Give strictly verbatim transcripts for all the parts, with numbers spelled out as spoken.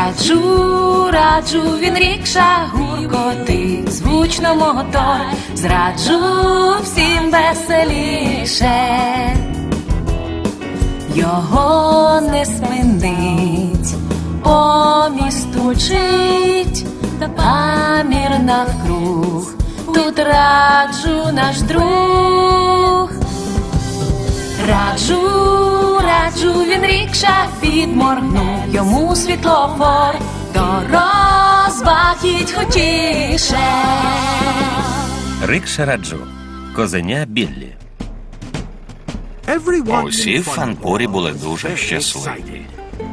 Раджу, раджу, він рікша гуркотить, звучно мотор, зраджу всім веселіше. Його не спинить, по місту мчить, памір навкруг, тут раджу наш друг. Раджу, раджу, він рікша підморгнув, йому світлофор, до розваг їдь хотіше. Рикша Раджу. Козеня Біллі. Усі в Фанпурі були дуже щасливі.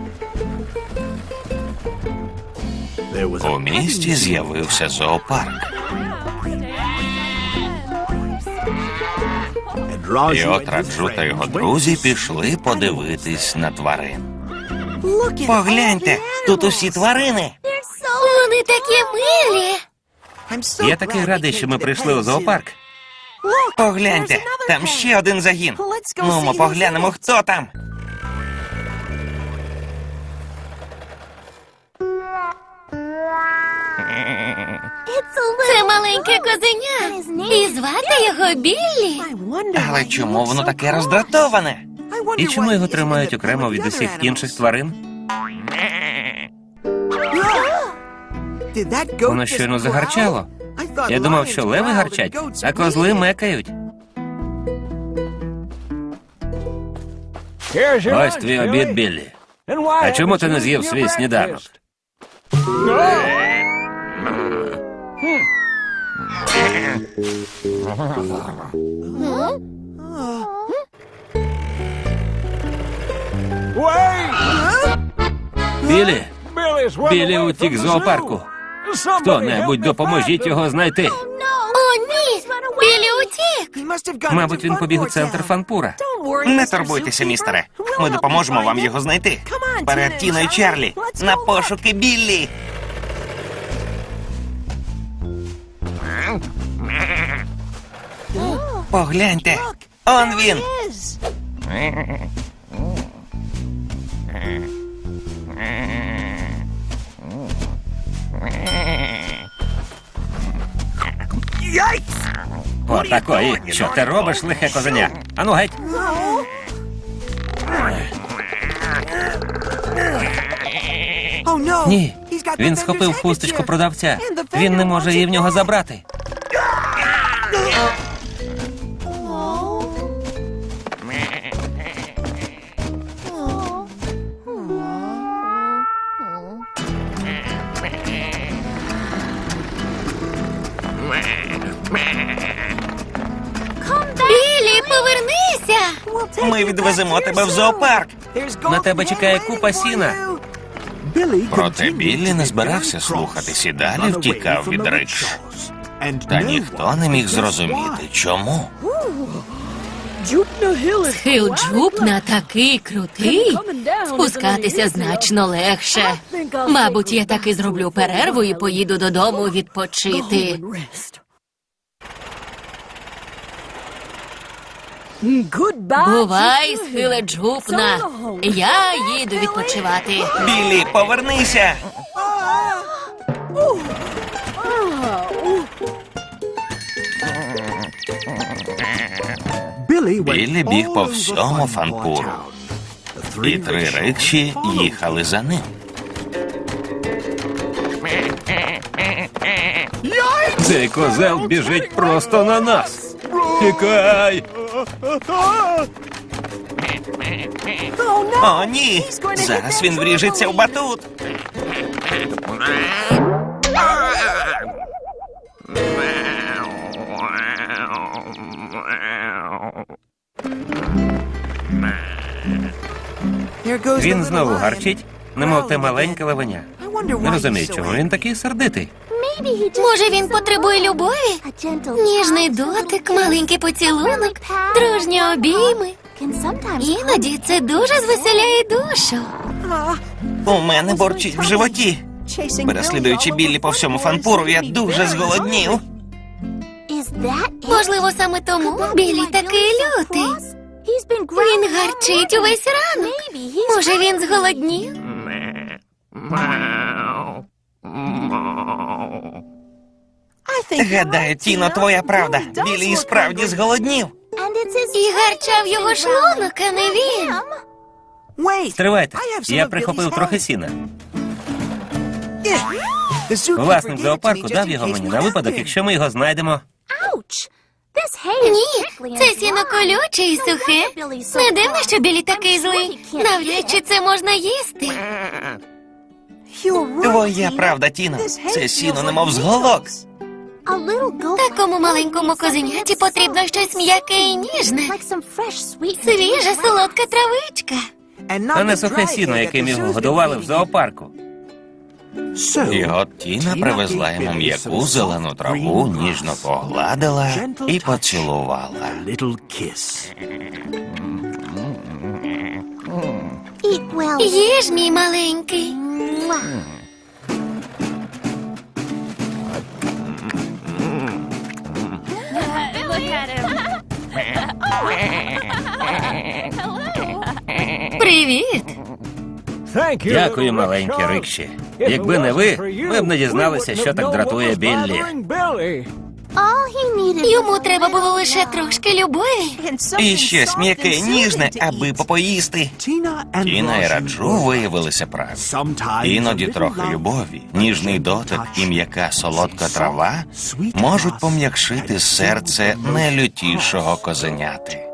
У місті з'явився зоопарк. І от Раджу та його друзі пішли подивитись на тварин. Погляньте, тут усі тварини. Вони такі милі. Я такий радий, що ми прийшли у зоопарк. Погляньте, там ще один загін. Ну, ми поглянемо, хто там. Це маленьке козеня. І звати його Біллі. Але чому воно таке роздратоване? І чому його тримають окремо від усіх інших тварин? Воно щойно загарчало. Я думав, що леви гарчать, а козли мекають. Ось твій обід, Біллі. А чому ти не з'їв свій сніданок? Біллі! Біллі утік з зоопарку. Хто-небудь допоможіть його знайти. О, ні! Біллі утік! Мабуть, він побіг у центр Фанпура. Не турбуйтеся, містере. Ми допоможемо вам його знайти. Перед Тіною Чарлі. На пошуки Біллі. Погляньте. Он він. Отакої. Що ти робиш, лихе козеня? Ану геть. Ні, він схопив хусточку продавця. Він не може її в нього забрати. Біллі, повернися! Ми відвеземо тебе в зоопарк. На тебе чекає купа сіна. Проте Біллі не збирався слухатись і далі втікав від рикш. Та ніхто не міг зрозуміти, чому. Схил Джупна такий крутий, спускатися значно легше. Мабуть, я таки зроблю перерву і поїду додому відпочити. Бувай, Схиле Джупна. Я їду відпочивати. Біллі, повернися! Біллі біг по всьому Фанпуру. І три рикші їхали за ним. Цей козел біжить просто на нас. Тікай! О, ні! Зараз він вріжеться в батут. Він знову гарчить, немов те маленьке левеня. Не розумію, чому він такий сердитий. Може, він потребує любові? Ніжний дотик, маленький поцілунок, дружні обійми. Іноді це дуже звеселяє душу. У мене борчить в животі. Переслідуючи Біллі по всьому Фанпуру, я дуже зголоднів. Можливо, саме тому Біллі такий лютий. Він гарчить увесь ранок. Може, він зголоднів? Гадаю, Тіно, твоя правда. Біллі і справді зголоднів. І гарчав його шлунок, а не він. Стривайте, я прихопив трохи сіна. Власник зоопарку дав його мені на випадок, якщо ми його знайдемо. Ні, це сіно колюче і сухе. Не дивно, що Білі такий злий. Навряд чи це можна їсти. Твоя правда, Тіно. Це сіно немов з голок. Такому маленькому козеняті потрібно щось м'яке і ніжне. Свіжа солодка травичка. А не сухе сіно, яким його годували в зоопарку. І от Тіна привезла йому м'яку зелену траву, ніжно погладила і поцілувала. Їж, мій маленький. Привіт. Дякую, маленькі рикші. Якби не ви, ми б не дізналися, що так дратує Біллі. Йому треба було лише трошки любові. І щось м'яке і ніжне, аби попоїсти. Тіна і Раджу виявилися праві. Іноді трохи любові, ніжний дотик і м'яка солодка трава можуть пом'якшити серце найлютішого козеняти.